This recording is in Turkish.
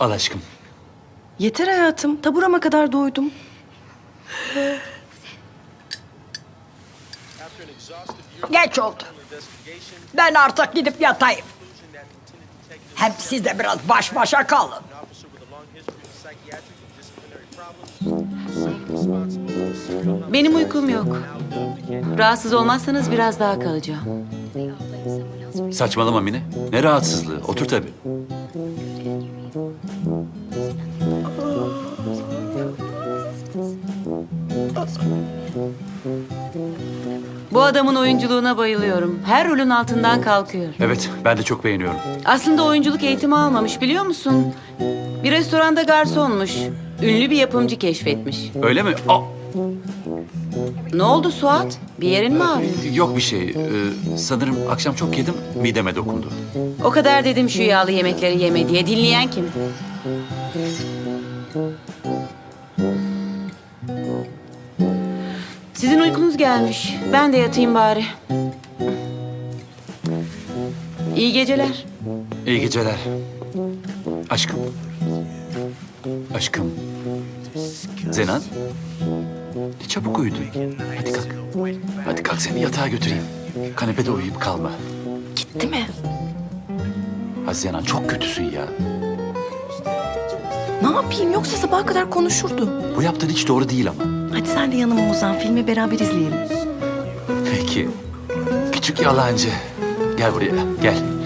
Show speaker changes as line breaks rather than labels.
Al aşkım.
Yeter hayatım. Taburama kadar doydum.
Geç oldu. Ben artık gidip yatayım. Hem siz de biraz baş başa kalın.
Benim uykum yok. Rahatsız olmazsanız biraz daha kalacağım.
Saçmalama Mine. Ne rahatsızlığı. Otur tabii.
Bu adamın oyunculuğuna bayılıyorum. Her rolün altından kalkıyor.
Evet, ben de çok beğeniyorum.
Aslında oyunculuk eğitimi almamış, biliyor musun? Bir restoranda garsonmuş. Ünlü bir yapımcı keşfetmiş.
Öyle mi? Aa,
Ne oldu Suat? Bir yerin mi ağrıyor?
yok bir şey. Sanırım akşam çok yedim, mideme dokundu.
O kadar dedim şu yağlı yemekleri yeme diye. Dinleyen kim? Sizin uykunuz gelmiş. Ben de yatayım bari. İyi geceler.
İyi geceler. Aşkım. Aşkım. Zenan. Ne çabuk uyudun. Hadi kalk. Hadi kalk seni yatağa götüreyim. Kanepede uyuyup kalma.
Gitti mi?
Ha Zenan çok kötüsün ya.
Ne yapayım? Yoksa sabaha kadar konuşurdu.
Bu yaptığın hiç doğru değil ama.
Hadi sen de yanıma uzan. Filmi beraber izleyelim.
Peki. Küçük yalancı. Gel buraya, gel.